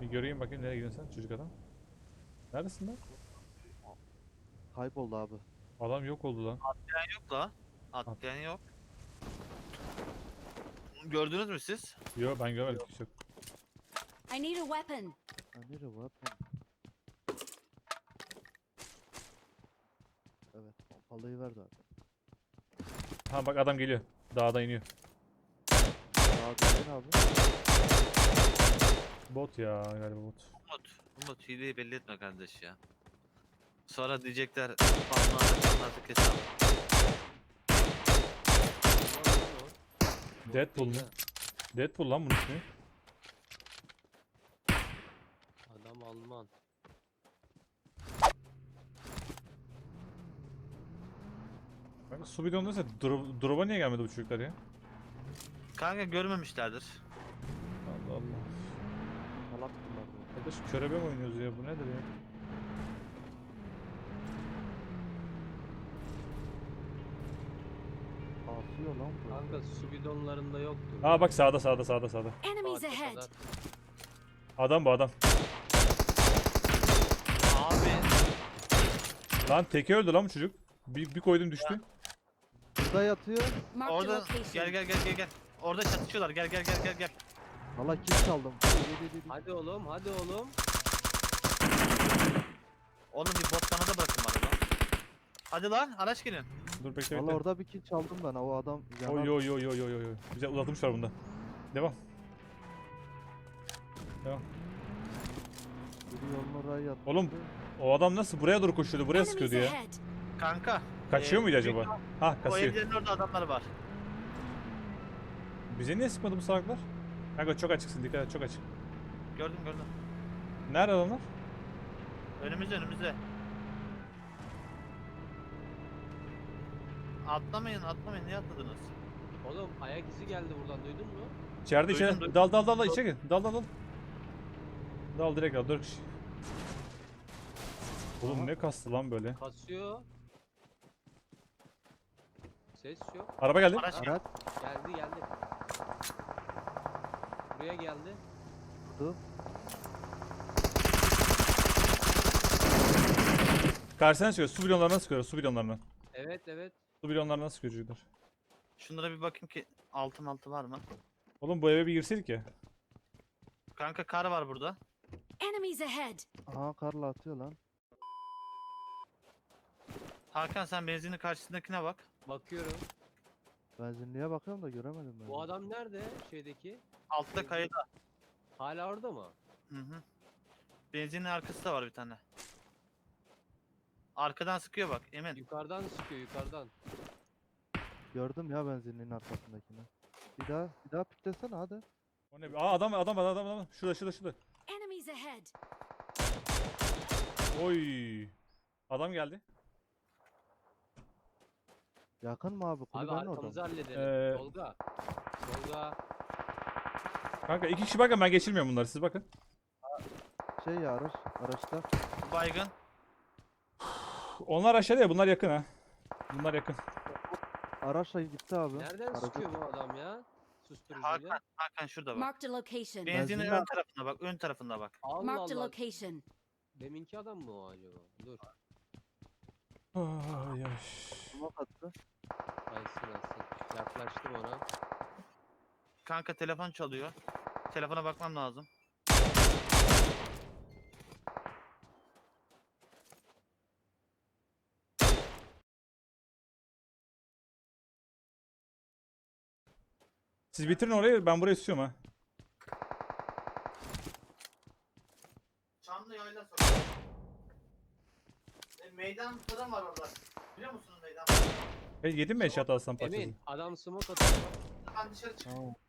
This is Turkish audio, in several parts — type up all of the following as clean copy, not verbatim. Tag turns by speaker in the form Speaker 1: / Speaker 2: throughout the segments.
Speaker 1: göreyim bakayım nereye gidiyorsun sen çocuk adam. Neredesin lan?
Speaker 2: Kayboldu abi.
Speaker 1: Adam yok oldu lan.
Speaker 3: Atlayan yok la. Atlayan yok. Gördünüz mü siz?
Speaker 1: Yo ben görmedim hiç yok.
Speaker 4: I need a weapon.
Speaker 2: Ha nere var? Evet. Pompalıyı ver zaten.
Speaker 1: Ha bak adam geliyor. Dağda iniyor.
Speaker 2: Daha değil abi.
Speaker 1: Bot ya galiba bot.
Speaker 3: Umut hileyi belli etme kardeş ya. Sonra diyecekler anlattık hesabı.
Speaker 1: Deadpool mu? Deadpool lan bunun ismi.
Speaker 5: Adam Alman.
Speaker 1: Bak su bidonundaysa drop'a niye gelmedi bu çocuklar ya?
Speaker 3: Kanka görmemişlerdir.
Speaker 1: Allah Allah.
Speaker 2: Salak bunlar bu.
Speaker 1: Arkadaş körebe mi oynuyoruz ya bu nedir ya?
Speaker 2: Asıyor lan bu.
Speaker 5: Kanka su bidonlarında yoktur.
Speaker 1: Aa bak sağda.
Speaker 4: Enemies
Speaker 5: Saate
Speaker 4: ahead.
Speaker 5: kadar.
Speaker 1: Adam bu adam.
Speaker 3: Abi
Speaker 1: Lan teki öldü lan bu çocuk. Bir koydum düştü.
Speaker 2: Burada yatıyor.
Speaker 4: Marked a
Speaker 3: orada
Speaker 4: location.
Speaker 3: gel. Orada çatışıyorlar. Gel.
Speaker 2: Valla kill çaldım.
Speaker 5: Hadi oğlum, hadi oğlum.
Speaker 3: Oğlum bir bot bana da bırakın bana lan. Hadi lan araç gelin.
Speaker 1: Dur bekle
Speaker 2: Valla
Speaker 1: bekle.
Speaker 2: orada bir kill çaldım ben. O adam yanar.
Speaker 1: Oy oy oy oy oy oy. Güzel uzatmışlar bunda. Devam. Devam.
Speaker 2: Biri yolun oraya yattı.
Speaker 1: Oğlum, O adam nasıl buraya doğru koşuyordu? Buraya
Speaker 4: Enemies
Speaker 1: sıkıyordu ya.
Speaker 4: ahead.
Speaker 3: Kanka.
Speaker 1: Kaçıyor muydu
Speaker 3: büyük
Speaker 1: acaba? Ha
Speaker 3: O
Speaker 1: kaçıyor.
Speaker 3: evlerin orada adamlar var.
Speaker 1: Bize niye sıkmadı bu salaklar? Kanka çok açıksın dikkat et çok açık.
Speaker 3: Gördüm.
Speaker 1: Nerede adamlar?
Speaker 3: Önümüzde. Atlamayın. Niye atladınız?
Speaker 5: Oğlum ayak izi geldi buradan, duydun mu?
Speaker 1: İçeride
Speaker 3: Duydum,
Speaker 1: içeride.
Speaker 3: duydum.
Speaker 1: Dal içeri gir. Dal. Dal direkt al 4 kişi. Oğlum ne kastı lan böyle?
Speaker 5: Kasıyor. Ses yok.
Speaker 1: Araba geldi.
Speaker 3: Araç
Speaker 2: Araç
Speaker 5: Geldi. Buraya geldi.
Speaker 2: durdu.
Speaker 1: Karşısına çıkıyor. Su bidonlarına sıkıyor. Su bidonlarına.
Speaker 5: Evet.
Speaker 1: Su bidonlarına sıkıyor çocuklar.
Speaker 3: Şunlara bir bakayım ki altı var mı?
Speaker 1: Oğlum bu eve bir girseydik ya.
Speaker 3: Kanka kar var burada.
Speaker 4: Enemies ahead.
Speaker 2: Aha karla atıyor lan.
Speaker 3: Hakan sen benzinin karşısındakine bak.
Speaker 5: Bakıyorum.
Speaker 2: Benzinliğe bakıyorum da göremedim ben.
Speaker 5: Bu adam nerede? Şeydeki.
Speaker 3: Altta kayada.
Speaker 5: Hala orada mı?
Speaker 3: Hı. Benzinin arkası da var bir tane. Arkadan sıkıyor bak Emin.
Speaker 5: Yukarıdan sıkıyor, yukarıdan.
Speaker 2: Gördüm ya benzinliğin arkasındakini. Bir daha piklesene hadi.
Speaker 1: O ne? Aa adam. Şurada.
Speaker 4: Enemies ahead.
Speaker 1: Oy. Adam geldi.
Speaker 2: Yakın mı abi?
Speaker 5: Abi
Speaker 2: Kulübenin orada
Speaker 5: arkamızı
Speaker 2: mı?
Speaker 5: halledelim. Tolga.
Speaker 1: Kanka 2 kişi bakın ben geçirmiyorum bunları siz bakın.
Speaker 2: Şey ya araçta.
Speaker 3: Baygın.
Speaker 1: Onlar aşağıda ya bunlar yakın ha. Bunlar yakın.
Speaker 2: Araçla gitti abi.
Speaker 5: Nereden
Speaker 2: Aracı-
Speaker 5: sıkıyor bu adam ya? Susturucuyla.
Speaker 3: Hakan şurada bak.
Speaker 4: Marked a location.
Speaker 3: Benzinin
Speaker 2: Benzinli-
Speaker 3: ön tarafına bak. Ön tarafına bak.
Speaker 5: Allah
Speaker 4: Marked a
Speaker 5: Allah.
Speaker 4: location.
Speaker 5: Deminki adam mı o acaba? Dur.
Speaker 1: Ay ay.
Speaker 2: Smoke attı.
Speaker 5: Alsın. Yaklaştım ona.
Speaker 3: Kanka telefon çalıyor. Telefona bakmam lazım.
Speaker 1: Siz bitirin orayı ben burayı istiyorum ha.
Speaker 3: Çamlı yayla sonra. Meydan fırın var orada. Biliyor musunuz meydan fırın?
Speaker 1: Yedin mi eşyat aslan parçası?
Speaker 5: Emin adam smoke atıyor.
Speaker 3: Ben dışarı çıktım.
Speaker 2: Tamam.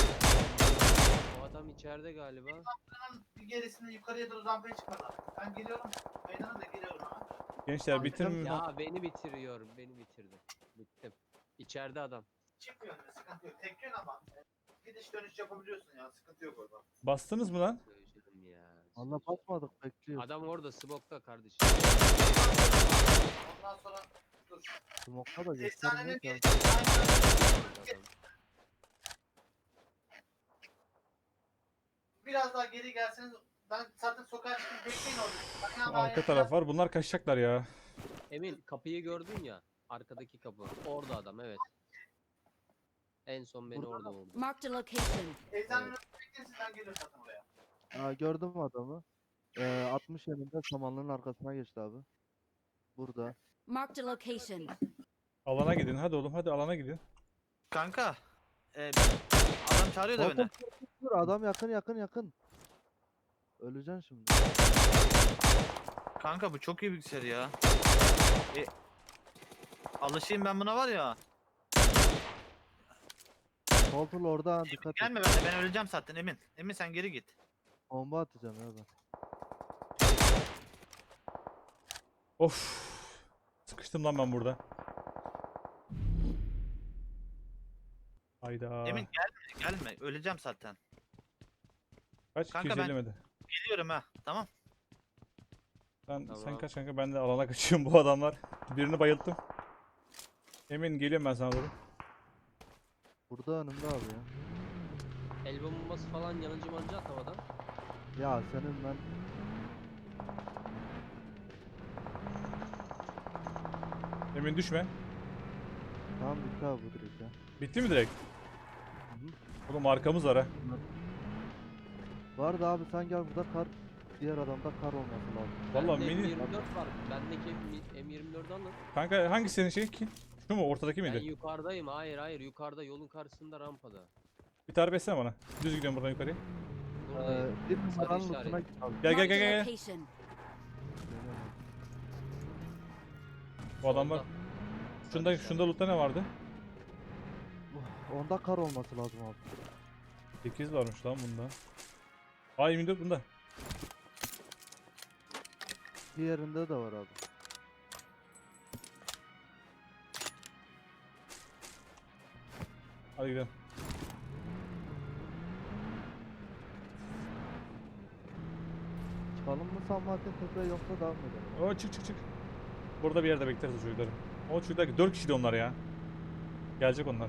Speaker 5: O adam içeride galiba.
Speaker 3: Bir gerisinde yukarıya doğru rampaya çıkmadan. Ben geliyorum. Meydana da geliyorum ha.
Speaker 1: Gençler bitirin mi?
Speaker 5: Ya beni bitiriyor. Beni bitirdi. Bittim. İçeride adam.
Speaker 3: Çıkmıyor. Sıkıntı yok. Tek yön ama. Gidiş dönüş yapabiliyorsun ya. Sıkıntı yok orada.
Speaker 1: Bastınız mı lan?
Speaker 5: Özledim ya.
Speaker 2: Valla basmadık bekliyoruz.
Speaker 5: Adam orada smoke'ta kardeşim.
Speaker 3: Ondan sonra dur.
Speaker 2: Smoke'ta da
Speaker 3: Efsanenin
Speaker 2: göstermiyor
Speaker 3: bir
Speaker 2: ki.
Speaker 5: Adam.
Speaker 3: biraz daha geri gelseniz
Speaker 6: Ben zaten sokağa çıkıp bekleyin orada. Bana
Speaker 1: Arka taraf var. Bunlar kaçacaklar ya.
Speaker 5: Emin kapıyı gördün ya. Arkadaki kapı. Orada adam evet. En son beni
Speaker 2: Burada
Speaker 5: orada vurdu.
Speaker 4: Marked a location.
Speaker 6: Teyzemin
Speaker 5: Evet.
Speaker 6: önünde bekleyin siz ben gelirim zaten oraya.
Speaker 2: Gördüm adamı. 60 yanında samanlığın arkasına geçti abi. Burada.
Speaker 4: Marked a location.
Speaker 1: Alana gidin. Hadi oğlum hadi alana gidin.
Speaker 3: Kanka. Adam çağırıyor da
Speaker 2: Hop,
Speaker 3: beni.
Speaker 2: hop, hop, dur adam yakın. Öleceksin şimdi.
Speaker 3: Kanka bu çok iyi bilgisayar ya. Alışayım ben buna var ya.
Speaker 2: Koltuğu orada ha, dikkat et.
Speaker 3: Gelme ben de ben öleceğim zaten Emin. Emin sen geri git.
Speaker 2: Bomba atacağım ya ben.
Speaker 1: Of. Sıkıştım lan ben burada. Hayda.
Speaker 3: Emin gelme öleceğim zaten.
Speaker 1: Kaç?
Speaker 3: Kanka
Speaker 1: 250 miydi?
Speaker 3: Geliyorum ha tamam.
Speaker 1: Sen
Speaker 5: Tamam.
Speaker 1: kaç kanka, ben de alana kaçıyorum, bu adamlar. Birini bayılttım. Emin geliyorum ben sana doğru.
Speaker 2: Burada önümde abi ya.
Speaker 5: El bombası falan yanıcı mancı atamadan.
Speaker 2: Ya senin ben
Speaker 1: Emin düşme.
Speaker 2: tamam bitti abi bu direkt ya.
Speaker 1: Bitti mi direkt?
Speaker 2: Hı hı.
Speaker 1: Oğlum arkamız var ha.
Speaker 2: Vardı abi sen gel burada kar. Diğer adamda kar olması lazım.
Speaker 1: Vallahi
Speaker 5: Bende
Speaker 1: mini.
Speaker 5: M24 var. Bendeki M24'ü alın.
Speaker 1: Kanka hangisi senin şey ki? Şu mu, ortadaki
Speaker 5: Ben
Speaker 1: miydi?
Speaker 5: yukarıdayım. Hayır yukarıda yolun karşısında rampada.
Speaker 1: Bir tarif etsene bana. Düz gidiyorum buradan yukarıya.
Speaker 5: Buradayım.
Speaker 2: Bir
Speaker 5: Sarı
Speaker 2: numaranın
Speaker 5: işaret.
Speaker 2: lootuna git abi.
Speaker 1: Gel gel
Speaker 4: Marked
Speaker 1: gel
Speaker 4: a
Speaker 1: gel.
Speaker 4: location.
Speaker 1: Bu adam var.
Speaker 5: Solda.
Speaker 1: Şunda lootta ne vardı?
Speaker 2: Onda kar olması lazım abi.
Speaker 1: 8 varmış lan bunda. Aa 24 bunda.
Speaker 2: Diğerinde de var abi.
Speaker 1: Hadi gidelim.
Speaker 2: Çıkalım mı Samat'ın tepeye yoksa devam edelim.
Speaker 1: Oo çık. Burada bir yerde bekleriz o çocukları. O çocuklar 4 kişi de onlar ya. Gelecek onlar.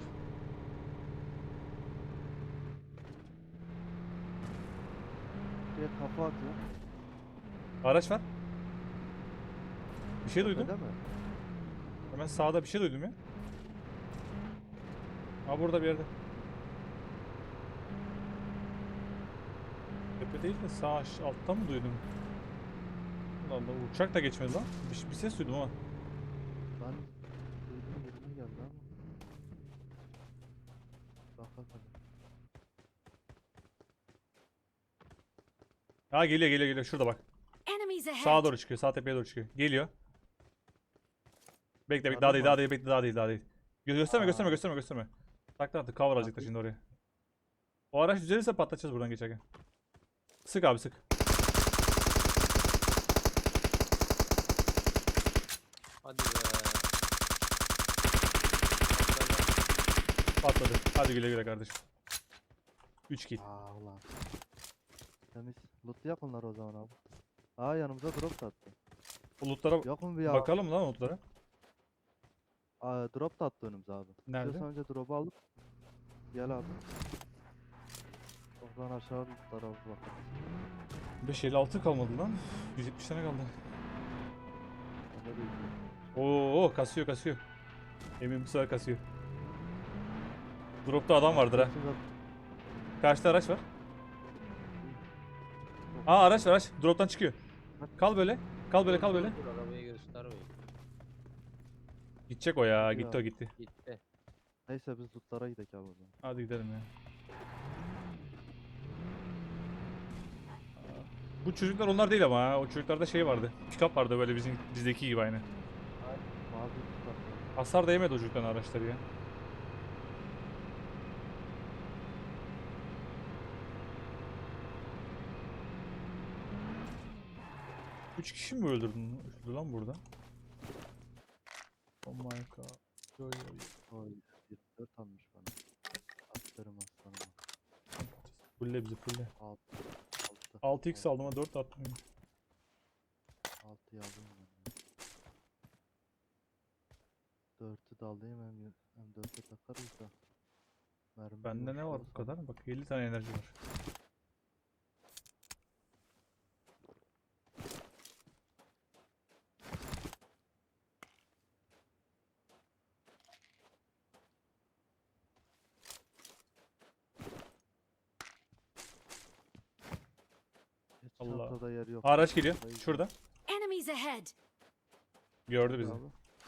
Speaker 2: Bir kafa atıyor.
Speaker 1: Araç var. Bir şey duydum.
Speaker 2: Öyle mi?
Speaker 1: Hemen sağda bir şey duydum ya. Aa burada bir yerde. Tepe değil de sağ altta mı duydum? Allah Allah, uçak da geçmedi lan. Bir ses duydum ama.
Speaker 2: Ben duydum birine geldi ama. Bak bakalım.
Speaker 1: Ha geliyor. Şurada bak.
Speaker 4: Enemies ahead.
Speaker 1: Sağa doğru çıkıyor. Sağ tepeye doğru çıkıyor. Geliyor. Bekle
Speaker 2: Gördün
Speaker 1: daha
Speaker 2: mü
Speaker 1: değil,
Speaker 2: abi?
Speaker 1: daha değil, bekle daha değil. Gösterme.
Speaker 2: Aa.
Speaker 1: Takla attı, cover alacaklar şimdi oraya. O araç düzelirse patlatacağız buradan geçerken. Sık abi sık.
Speaker 5: Hadi be.
Speaker 1: Patladı. Hadi güle güle kardeşim. 3 kill.
Speaker 2: Aa ulan. Temiz. Loot yak onları o zaman abi. Aa yanımıza drop da attı.
Speaker 1: O lootlara
Speaker 2: Yok mu bir ya?
Speaker 1: bakalım lan, o lootlara.
Speaker 2: Aa drop da attı önümüze abi.
Speaker 1: Nerede?
Speaker 2: İstiyorsan önce drop'u alıp gel abi. Oradan aşağı lootlara bakalım.
Speaker 1: 556 kalmadı lan. 170 tane kaldı.
Speaker 2: Öyle değil.
Speaker 1: Oo kasıyor. Emin bu sefer kasıyor. Dropta adam vardır ha. Karşıda araç var. Aa araç var. Droptan çıkıyor. Kal böyle. Kal böyle.
Speaker 5: Dur, arabayı göstermeyin.
Speaker 1: Gidecek o ya.
Speaker 2: Gidiyor
Speaker 1: Gitti o
Speaker 2: abi.
Speaker 1: gitti.
Speaker 5: Gitti.
Speaker 2: Neyse biz lootlara gidelim abi o zaman.
Speaker 1: Hadi gidelim ya. Bu çocuklar onlar değil ama ha. O çocuklarda şey vardı. Pick-up vardı böyle bizdeki gibi aynı.
Speaker 2: Mavi lootlar.
Speaker 1: Hasar değmedi o çocukların araçları ya. Üç kişi mi öldürdün lan burada? Oh my god. Yo.
Speaker 2: Oy 24 almış bana. Aferin aslanıma.
Speaker 1: Fulle bizi fulle.
Speaker 2: 6
Speaker 1: 6x aldım ama 4 attım.
Speaker 2: 6 aldım ben. 4'ü de alayım hem 4'e takarız da. Mermi
Speaker 1: Bende ne var bu kadar? Bak 50 tane enerji var. Allah.
Speaker 2: Çantada yer yok.
Speaker 1: Araç geliyor.
Speaker 2: Bayıldım.
Speaker 1: Şurada.
Speaker 4: Enemies ahead.
Speaker 1: Gördü bizi.
Speaker 2: Abi.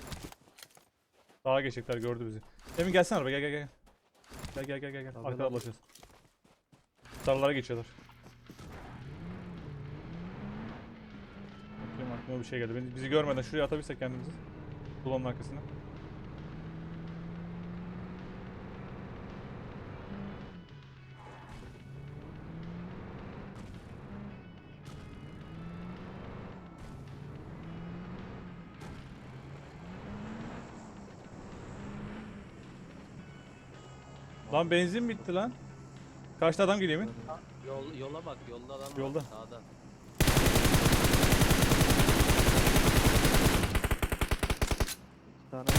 Speaker 1: Sağa geçecekler, gördü bizi. Emin gelsene araba, gel gel gel. Gel gel gel gel gel.
Speaker 2: Abi,
Speaker 1: Arkada
Speaker 2: abi.
Speaker 1: dolaşacağız. Sarılara geçiyorlar. Bakayım aklıma bir şey geldi. Bizi görmeden şuraya atabilsek kendimizi. Kulağının arkasına. Lan benzin bitti lan. Kaçta adam geliyor Emin?
Speaker 5: Yola bak, yolda adam var,
Speaker 1: Yolda.
Speaker 5: sağda.
Speaker 2: Bir tane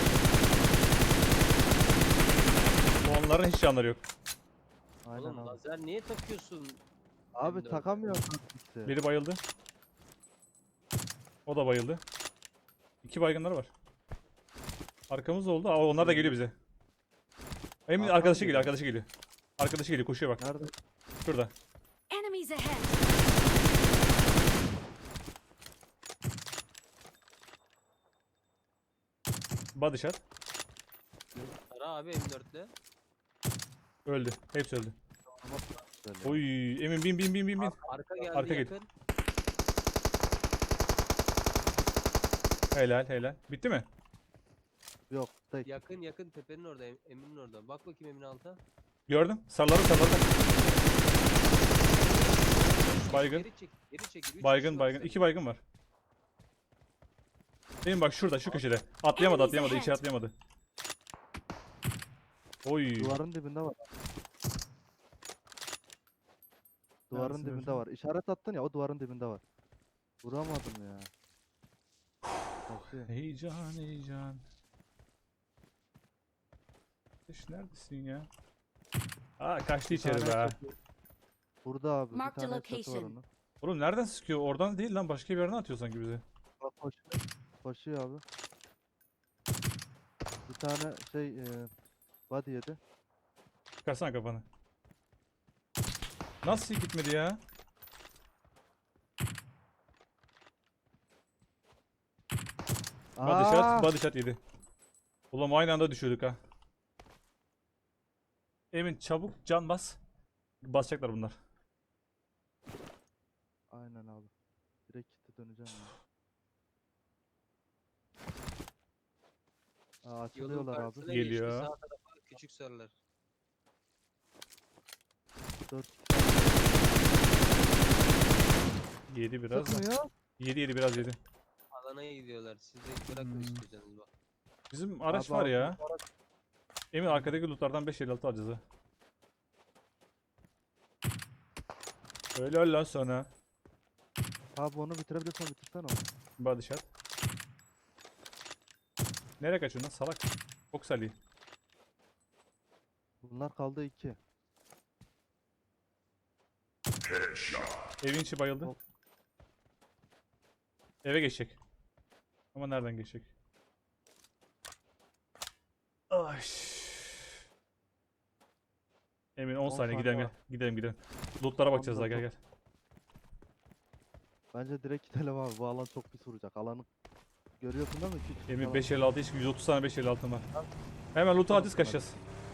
Speaker 1: Onların hiç canları yok.
Speaker 2: aynen
Speaker 5: Oğlum
Speaker 2: abi.
Speaker 5: lazer niye takıyorsun?
Speaker 2: Abi
Speaker 5: M4'e.
Speaker 2: takamıyorum işte.
Speaker 1: Biri bayıldı. O da bayıldı. 2 baygınlar var. Arkamızda oldu. Aa, onlar da geliyor bize. Emin
Speaker 2: Arkamda
Speaker 1: arkadaşı
Speaker 2: geliyor.
Speaker 1: geliyor, arkadaşı geliyor. Arkadaşı geliyor, koşuyor bak.
Speaker 2: Nerede?
Speaker 1: Şurada.
Speaker 4: Enemies ahead.
Speaker 1: Body shot.
Speaker 5: Ara abi M4'le.
Speaker 1: Öldü. Hepsi öldü.
Speaker 2: Güzel ya.
Speaker 1: Oy, Emin bin bin bin bin bin.
Speaker 5: Arka geldi
Speaker 1: Arka gel.
Speaker 5: yakın.
Speaker 1: Helal helal. Bitti mi?
Speaker 2: Yok tek.
Speaker 5: Yakın yakın tepenin orada, Emin'in orada. Bak bakayım Emin alta.
Speaker 1: Gördüm. Sarıları sarıları. Baygın.
Speaker 5: Geri çek, geri çek. Üç
Speaker 1: Baygın
Speaker 5: kişi var
Speaker 1: baygın.
Speaker 5: senin.
Speaker 1: 2 baygın var. Emin bak şurada şu köşede. Atlayamadı
Speaker 4: Enemies
Speaker 1: atlayamadı.
Speaker 4: ahead.
Speaker 1: İçeri atlayamadı. Oy.
Speaker 2: Duvarın dibinde var. Duvarın
Speaker 1: Neredesin
Speaker 2: dibinde
Speaker 1: diyorsun?
Speaker 2: var. İşaret attın ya, o duvarın dibinde var. Vuramadım ya. Nasıl?
Speaker 1: Heyecan heyecan. Kardeş neredesin ya? Aa kaçtı içeri
Speaker 2: tane
Speaker 1: be.
Speaker 2: çatı- Burada abi.
Speaker 4: Mark
Speaker 2: bir
Speaker 4: the
Speaker 2: tane çatı var
Speaker 4: location.
Speaker 2: onun.
Speaker 1: Oğlum nereden sıkıyor? Oradan değil lan, başka bir yerden atıyor sanki bize.
Speaker 2: Bak koşuyor. Koşuyor abi. Bir tane body yedi.
Speaker 1: Çıkarsana kafanı. Nasıl gitmedi ya? Body shot, body shot yedi. Ulan aynı anda düşürdük ha. Emin çabuk can bas. Basacaklar bunlar.
Speaker 2: Aynen abi. Direkt kiti döneceğim ya. Aa,
Speaker 5: Yolun
Speaker 2: açılıyorlar abi.
Speaker 5: karşısına
Speaker 1: Geliyor.
Speaker 5: geçti, sağ tarafa küçük sarılar.
Speaker 2: 4
Speaker 1: Yedi biraz da.
Speaker 2: sıkmıyor.
Speaker 1: Yedi biraz yedi.
Speaker 5: Alana gidiyorlar. Siz de bırakın
Speaker 1: Hmm.
Speaker 5: istiyorsanız bak.
Speaker 1: Bizim araç
Speaker 2: Abi
Speaker 1: var
Speaker 2: abi,
Speaker 1: ya. Emin arkadaki lootlardan 5.56 alacağız ha. Öyle lan sonra.
Speaker 2: Abi onu bitirebilirsen bitirsene onu.
Speaker 1: Body shot. Nereye kaçıyorsun lan salak? Çok sali.
Speaker 2: Bunlar kaldı 2.
Speaker 1: Evin içi bayıldı.
Speaker 2: Hop.
Speaker 1: Eve geçecek. Ama nereden geçecek? Ay. Emin 10
Speaker 2: 10
Speaker 1: saniye
Speaker 2: saniye
Speaker 1: gidelim gel.
Speaker 2: var.
Speaker 1: Gidelim gidelim. Lootlara bakacağız daha
Speaker 2: 14
Speaker 1: gel gel.
Speaker 2: Bence direkt gidelim abi. Bu alan çok pis vuracak. Alanı görüyorsun değil mi? Küçük
Speaker 1: Emin
Speaker 2: alan.
Speaker 1: 556 hiç 130 tane 556 var. Hemen loot'a
Speaker 2: Tamam,
Speaker 1: hadis
Speaker 2: tamam.
Speaker 1: kaçacağız.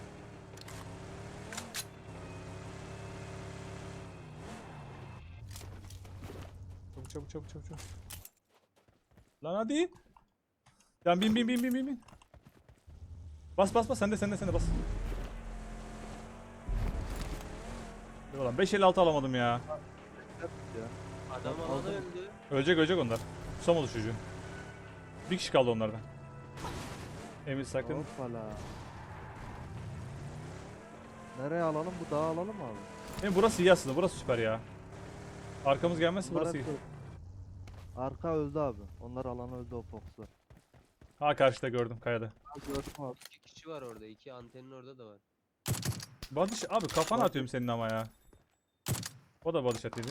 Speaker 1: Çabuk çabuk çabuk çabuk çabuk. Lan hadi. Lan bin bin bin bin bin bin. Bas bas bas sen de bas. Ulan 556 alamadım ya.
Speaker 2: Ya.
Speaker 5: Adam
Speaker 2: Bak,
Speaker 5: alana
Speaker 2: aldım.
Speaker 5: öldü.
Speaker 1: Ölecek onlar. Susamadı çocuğu. Bir kişi kaldı onlardan. Emin sakın.
Speaker 2: Hoppala. Nereye alalım? Bu dağı alalım mı abi?
Speaker 1: Emin burası iyi aslında. Burası süper ya. Arkamız gelmezse
Speaker 2: Bunlar
Speaker 1: burası iyi.
Speaker 2: hep öldü. Arka öldü abi. Onlar alanı öldü o foxlar.
Speaker 1: Ha karşıda gördüm kayada.
Speaker 2: Abi gördüm abi.
Speaker 5: 2 kişi var orada. 2 antenin orada da var.
Speaker 1: Badış abi kafana
Speaker 2: Bak-
Speaker 1: atıyorum senin ama ya. O da badış atıydı.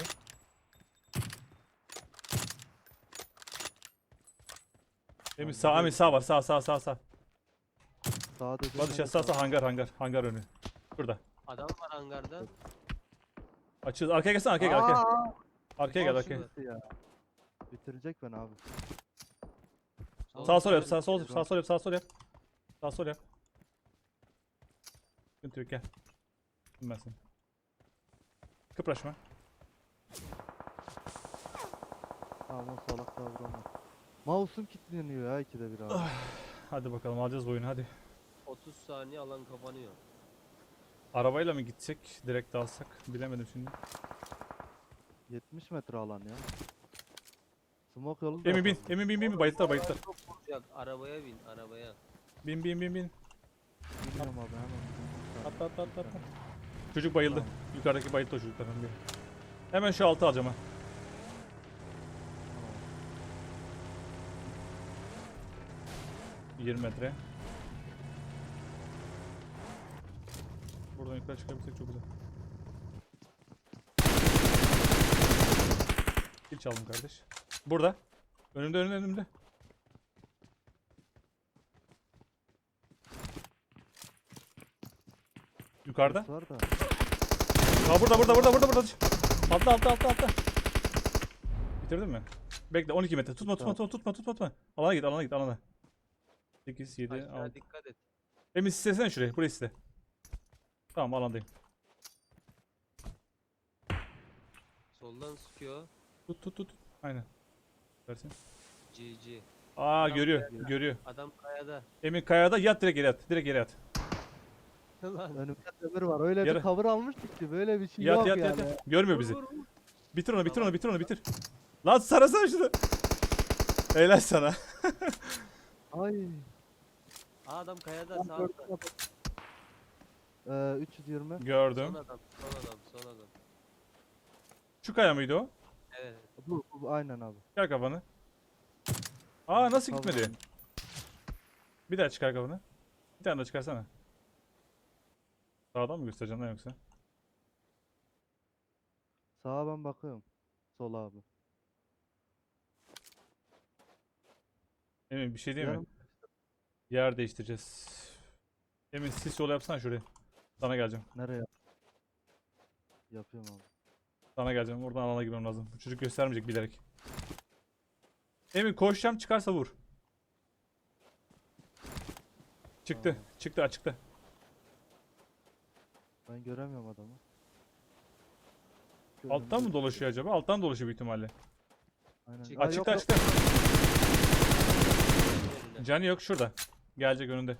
Speaker 1: Emin sağ, Emin sağ var, sağ.
Speaker 2: Sağa dediğin
Speaker 1: Badış
Speaker 2: neresi
Speaker 1: sağ
Speaker 2: abi?
Speaker 1: hangar önü. Şurada.
Speaker 5: Adam var hangarda.
Speaker 1: Açıyoruz. Arkaya gelsene, arkaya gel.
Speaker 2: Aa!
Speaker 1: Arkaya gel
Speaker 5: Al
Speaker 1: arkaya.
Speaker 5: şunu.
Speaker 2: Nasıl ya? Bitirecek beni abi.
Speaker 1: Sağ sol yap,
Speaker 5: sol.
Speaker 1: sağ sol, sağ sol yap, sağ sol yap. Sağ sol yap. Sıkıntı yok, gel. Ben seni. Kıpraşma.
Speaker 2: Ama salak davranma. Mouse'um kilitleniyor ya ikide bir abi.
Speaker 1: Hadi bakalım, alacağız bu oyunu, hadi.
Speaker 5: 30 saniye alan kapanıyor.
Speaker 1: Arabayla mı gitsek, direkt alsak, bilemedim şimdi.
Speaker 2: 70 metre alan ya. Smoke yolu da
Speaker 1: Emin bin,
Speaker 2: yapabilirim.
Speaker 1: emin, bayıltlar, bayıltlar.
Speaker 5: Çok vuracak. Arabaya bin arabaya.
Speaker 1: Bin.
Speaker 2: Bilmiyorum abi hemen.
Speaker 1: Atla. Çocuk bayıldı.
Speaker 2: Tamam.
Speaker 1: Yukarıdaki bayıldı o çocuklardan biri. Hemen şu altı alacağım ha. 20 metre. Buradan yukarı çıkabilsek çok güzel. Kill çaldım kardeş. Burada. Önümde. Yukarıda.
Speaker 2: Ses var da.
Speaker 1: Ha burada. Atla. Bitirdin mi? Bekle 12 metre. Tutma. Alana git. 8, 7,
Speaker 5: Aşağı
Speaker 1: 6.
Speaker 5: dikkat et.
Speaker 1: Emin istesene şurayı. Burayı iste. Tamam, alandayım.
Speaker 5: Soldan sıkıyor.
Speaker 1: Tut. Aynen. Versin.
Speaker 5: GG.
Speaker 1: Aa,
Speaker 5: Adam
Speaker 1: görüyor.
Speaker 5: Adam kayada.
Speaker 1: Emin kayada yat, direkt geri at.
Speaker 5: Lan.
Speaker 2: Önümde demir var. Öyle
Speaker 1: Yarı-
Speaker 2: bir cover almıştık ki böyle bir şey
Speaker 1: Yat
Speaker 2: yok
Speaker 1: yat
Speaker 2: yani.
Speaker 1: yat. Görmüyor bizi.
Speaker 5: Vur.
Speaker 1: Bitir onu, bitir. Lan sarasana şunu. Helal sana.
Speaker 2: Ay.
Speaker 5: Aa, adam kayada
Speaker 2: Ben
Speaker 5: sağda.
Speaker 2: gördüm adamı. 320.
Speaker 1: Gördüm.
Speaker 5: Son adam.
Speaker 1: Şu kaya mıydı o?
Speaker 5: Evet.
Speaker 2: Bu aynen abi.
Speaker 1: Çıkar kafanı. Aa, nasıl
Speaker 2: Cover
Speaker 1: gitmedi?
Speaker 2: almış.
Speaker 1: Bir daha çıkar kafanı. Bir tane daha çıkarsana. Sağdan mı göstereceğim lan yoksa?
Speaker 2: Sağa ben bakıyorum. Sola abi.
Speaker 1: Emin bir şey değil mi?
Speaker 2: Yarım-
Speaker 1: Yer değiştireceğiz. Emin sis yolu yapsana şuraya. Sana geleceğim.
Speaker 2: Nereye? Yapıyorum abi.
Speaker 1: Sana geleceğim. Oradan alana girmem lazım. Bu çocuk göstermeyecek bilerek. Emin koşacağım, çıkarsa vur. Çıktı.
Speaker 2: Tamam.
Speaker 1: Çıktı, açıkta.
Speaker 2: Ben göremiyorum adamı. Şu
Speaker 1: Alttan
Speaker 2: önümde-
Speaker 1: mı dolaşıyor acaba? Alttan dolaşıyor büyük ihtimalle.
Speaker 2: Aynen.
Speaker 5: Çık-
Speaker 2: Aa,
Speaker 1: Açıkta
Speaker 2: yok,
Speaker 1: açıkta.
Speaker 5: Önüne.
Speaker 1: Canı yok şurada. Gelecek önünde.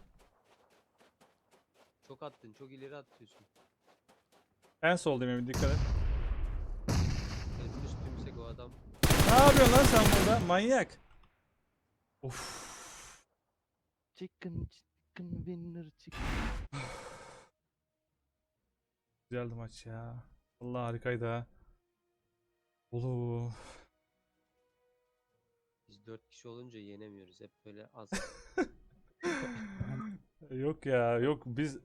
Speaker 5: Çok attın. Çok ileri atıyorsun.
Speaker 1: En soldayım Emin, dikkat et.
Speaker 5: Etmiş tümsek o adam.
Speaker 1: Ne yapıyorsun lan sen burada? Manyak. Of.
Speaker 2: Chicken winner chicken.
Speaker 1: Güzeldi maç ya. Allah harikaydı ha. Oğlum.
Speaker 5: Biz 4 kişi olunca yenemiyoruz. Hep böyle az.
Speaker 1: Yok ya, yok biz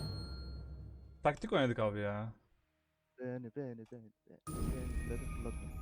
Speaker 1: taktik oynadık abi ya.
Speaker 2: Beğeni. Beğeni. Fırlatma.